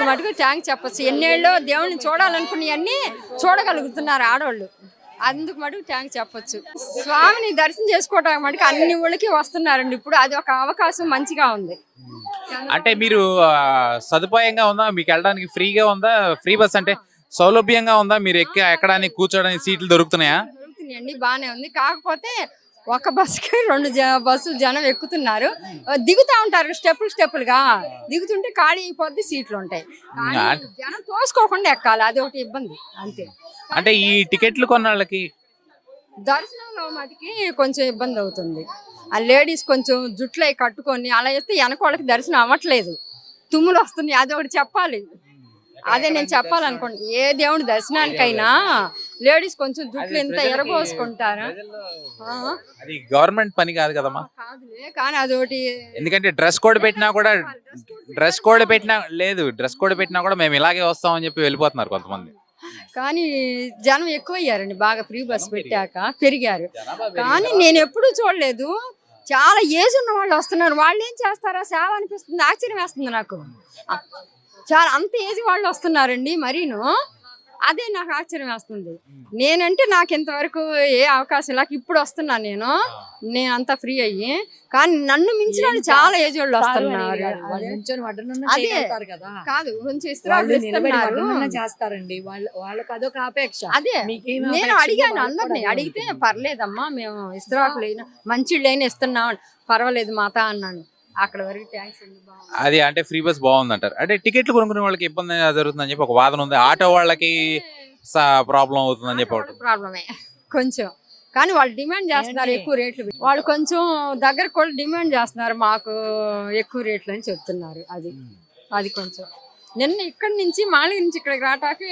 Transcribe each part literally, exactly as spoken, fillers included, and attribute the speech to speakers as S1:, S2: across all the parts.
S1: మటుకు ట్యాంక్ చెప్పచ్చు. ఎన్నేళ్ళు దేవుడిని చూడాలనుకున్నవన్నీ చూడగలుగుతున్నారు ఆడవాళ్ళు. అందుకు మటుకు ట్యాంక్ చెప్పొచ్చు. స్వామిని దర్శనం చేసుకోవడానికి మటుకు అన్ని ఊళ్ళకి వస్తున్నారండి. ఇప్పుడు అది ఒక అవకాశం మంచిగా ఉంది.
S2: అంటే మీరు సదుపాయంగా ఉందా, మీకు వెళ్ళడానికి ఫ్రీగా ఉందా? ఫ్రీ బస్ అంటే సౌలభ్యంగా ఉందా? మీరు ఎక్కి ఎక్కడానికి కూర్చోడానికి సీట్లు దొరుకుతున్నాయా?
S1: దొరుకుతున్నాయండి, బాగానే ఉంది. కాకపోతే ఒక బస్సుకి రెండు జ బస్సులు జనం ఎక్కుతున్నారు, దిగుతా ఉంటారు స్టెప్పులు స్టెప్పులుగా. దిగుతుంటే ఖాళీ అయిపోద్ది, సీట్లు ఉంటాయి. జనం తోసుకోకుండా ఎక్కాలి, అది ఒకటి ఇబ్బంది అంతే.
S2: అంటే ఈ టికెట్లు కొన్న వాళ్ళకి
S1: దర్శనంలో మటుకి కొంచెం ఇబ్బంది అవుతుంది. ఆ లేడీస్ కొంచెం జుట్లు అవి కట్టుకొని అలా చేస్తే వెనక వాళ్ళకి దర్శనం అవ్వట్లేదు, తుమ్ములు వస్తున్నాయి. అది ఒకటి చెప్పాలి. అదే నేను చెప్పాలనుకోండి, ఏ దేవుడి దర్శనానికైనా లేడీస్ కొంచెం జుట్లు ఇంత ఎరబోసుకుంటారా.
S2: అది గవర్నమెంట్ పని కాదు కదమ్మా.
S1: కాదులే, కానీ అదొకటి.
S2: ఎందుకంటే డ్రెస్ కోడ్ పెట్టినా కూడా డ్రెస్ కోడ్ పెట్టినా లేదు డ్రెస్ కోడ్ పెట్టినా కూడా మేము ఇలాగే వస్తామని చెప్పి వెళ్ళిపోతున్నారు కొంతమంది.
S1: కానీ జనం ఎక్కువయ్యారండి, బాగా ఫ్రీ బస్ పెట్టాక పెరిగారు. కానీ నేను ఎప్పుడూ చూడలేదు, చాలా ఏజ్ ఉన్న వాళ్ళు వస్తున్నారు. వాళ్ళు ఏం చేస్తారా సేవ అనిపిస్తుంది, ఆశ్చర్యం వేస్తుంది నాకు. చాలా అంత ఏజ్ వాళ్ళు వస్తున్నారండి మరీను, అదే నాకు ఆశ్చర్యం వేస్తుంది. నేనంటే నాకు ఇంతవరకు ఏ అవకాశం లేక ఇప్పుడు వస్తున్నాను నేను, నేను అంతా ఫ్రీ అయ్యి. కానీ నన్ను మించిన వాళ్ళు చాలా ఏజ్ వాళ్ళు వస్తున్నారు. అదే కాదు, కొంచెం ఇస్తున్నారు
S3: చేస్తారండి వాళ్ళకి అదొక అపేక్ష.
S1: అదే నేను అడిగాను అందరినీ, అడిగితే పర్లేదమ్మా మేము ఇస్త్రాకులు అయినా మంచిళ్ళు అయినా ఇస్తున్నాం, పర్వాలేదు మాత అన్నాను. అక్కడ వరకు ట్యాంక్స్.
S2: అది అంటే ఫ్రీ బస్ బాగుంది అంటారు. అంటే టికెట్లు కొనుక్కునే వాళ్ళకి ఇబ్బంది జరుగుతుందని చెప్పి ఒక వాదన ఉంది. ఆటో వాళ్ళకి ప్రాబ్లం అవుతుందని చెప్పి
S1: ప్రాబ్లమే కొంచెం. కానీ వాళ్ళు డిమాండ్ చేస్తున్నారు ఎక్కువ రేట్లు. వాళ్ళు కొంచెం దగ్గర కూడా డిమాండ్ చేస్తున్నారు, మాకు ఎక్కువ రేట్లు అని చెప్తున్నారు. అది అది కొంచెం నిన్న ఇక్కడి నుంచి మాళీ నుంచి ఇక్కడికి రావటానికి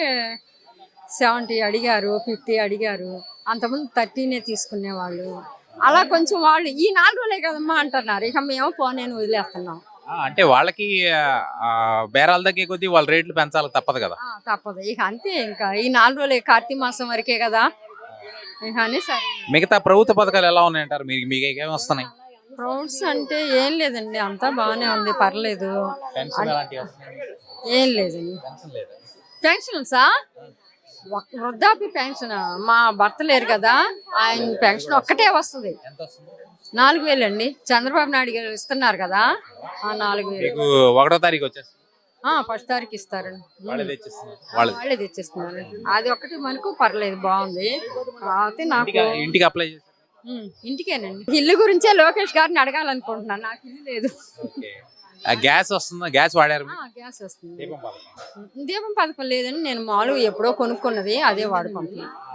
S1: సెవెంటీ అడిగారు, ఫిఫ్టీ అడిగారు. అంతకుముందు థర్టీనే తీసుకునేవాళ్ళు. అలా కొంచెం వాళ్ళు ఈ నాలుగు రోజులే కదమ్మా అంటున్నారు, ఇక మేము పోనేను వదిలేస్తున్నాం.
S2: అంటే వాళ్ళకి బేరాల దగ్గర కొద్దీ వాళ్ళ రేట్లు పెంచాలి, తప్పదు కదా.
S1: తప్పదు ఇక అంతే. ఇంకా ఈ నాలుగు రోజులే, కార్తీక మాసం వరకే కదా ఇక అని. సరే,
S2: మిగతా ప్రభుత్వ పథకాలు ఎలా ఉన్నాయంటారు? మీకు మీకు ఏమేమి వస్తున్నాయి?
S1: ప్రౌడ్స్ అంటే ఏం లేదండి, అంతా బాగానే ఉంది, పర్లేదు. ఏం లేదండి పెన్షన్సా, వృద్ధాప్య పెన్షన్. మా భర్త లేరు కదా, ఆయన పెన్షన్ ఒక్కటే వస్తుంది, నాలుగు వేలు అండి. చంద్రబాబు నాయుడు గారు ఇస్తున్నారు కదా, ఆ నాలుగు వేలు
S2: ఒకటో తారీఖు వచ్చేసి
S1: ఫస్ట్ తారీఖు ఇస్తారండి,
S2: వాళ్ళే
S1: తెచ్చిస్తున్నారు. అది ఒకటి మనకు పర్లేదు, బాగుంది. అయితే నాకు
S2: ఇంటికి అప్లై
S1: ఇంటికేనండి. ఇల్లు గురించే లోకేష్ గారిని అడగాలనుకుంటున్నాను, నాకు ఇల్లు లేదు.
S2: గ్యాస్ వస్తుందా? గ్యాస్ వాడారు?
S1: గ్యాస్ వస్తుంది. దీపం పథకం లేదండి, నేను మామూలుగా ఎప్పుడో కొనుక్కున్నది అదే వాడుకుంటున్నాను.